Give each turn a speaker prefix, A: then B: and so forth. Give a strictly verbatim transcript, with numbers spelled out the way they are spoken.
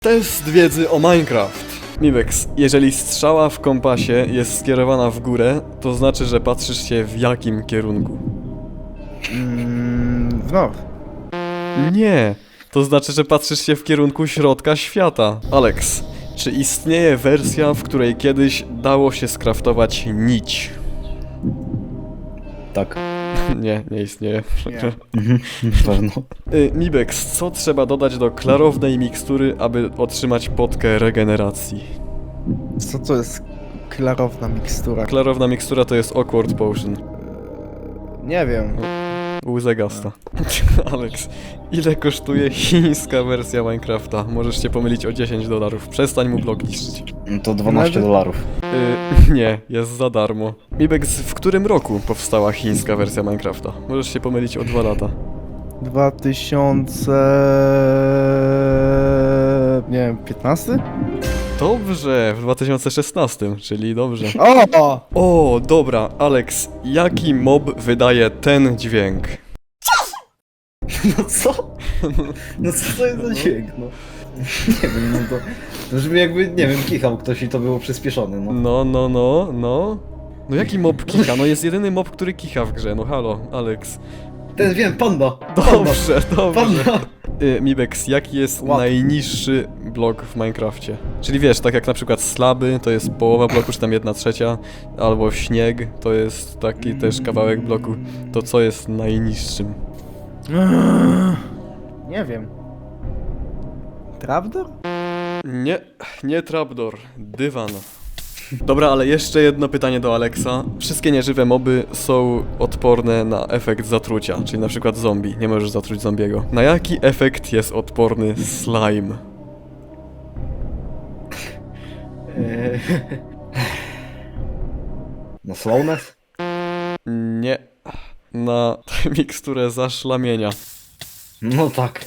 A: Test wiedzy o Minecraft. Miwex, jeżeli strzała w kompasie jest skierowana w górę, to znaczy, że patrzysz się w jakim kierunku?
B: Mm, w north.
A: Nie, to znaczy, że patrzysz się w kierunku środka świata. Alex, czy istnieje wersja, w której kiedyś dało się skraftować nić?
C: Tak.
A: Nie, nie istnieje.
B: Nie.
C: Na pewno.
A: Y, Mibex, co trzeba dodać do klarownej mikstury, aby otrzymać potkę regeneracji?
B: Co to jest klarowna mikstura?
A: Klarowna mikstura to jest Awkward Potion.
B: Nie wiem.
A: Łzę gasta. Alex, ile kosztuje chińska wersja Minecrafta? Możesz się pomylić o dziesięć dolarów. Przestań mu blok niszczyć.
C: No to dwanaście
B: Nawet-
C: dolarów.
A: Y, nie, jest za darmo. Mibex, w którym roku powstała chińska wersja Minecrafta? Możesz się pomylić o dwa lata.
B: dwa tysiące... Nie wiem, piętnasty?
A: Dobrze, w dwa tysiące szesnastym, czyli dobrze.
B: O!
A: O, dobra, Alex, jaki mob wydaje ten dźwięk?
C: No co? No co to jest za dźwięk, no? Nie wiem, no to... To brzmi jakby, nie wiem, kichał ktoś i to było przyspieszone, no.
A: No, no, no, no. No jaki mob kicha? No jest jedyny mob, który kicha w grze, no halo, Alex.
C: Ten wiem, panda!
A: Dobrze, dobrze.
C: Panda!
A: Y, Mibex, jaki jest
B: Łap.
A: najniższy blok w Minecrafcie? Czyli wiesz, tak jak na przykład slaby to jest połowa bloku, czy tam jedna trzecia, albo śnieg to jest taki też kawałek bloku. To co jest najniższym?
B: Nie wiem. Trapdoor?
A: Nie, nie trapdoor, dywan. Dobra, ale jeszcze jedno pytanie do Alexa. Wszystkie nieżywe moby są odporne na efekt zatrucia, czyli na przykład zombie. Nie możesz zatruć zombiego. Na jaki efekt jest odporny slime?
C: Eee. No slowness?
A: Nie. Na miksturę zaszlamienia.
C: No tak.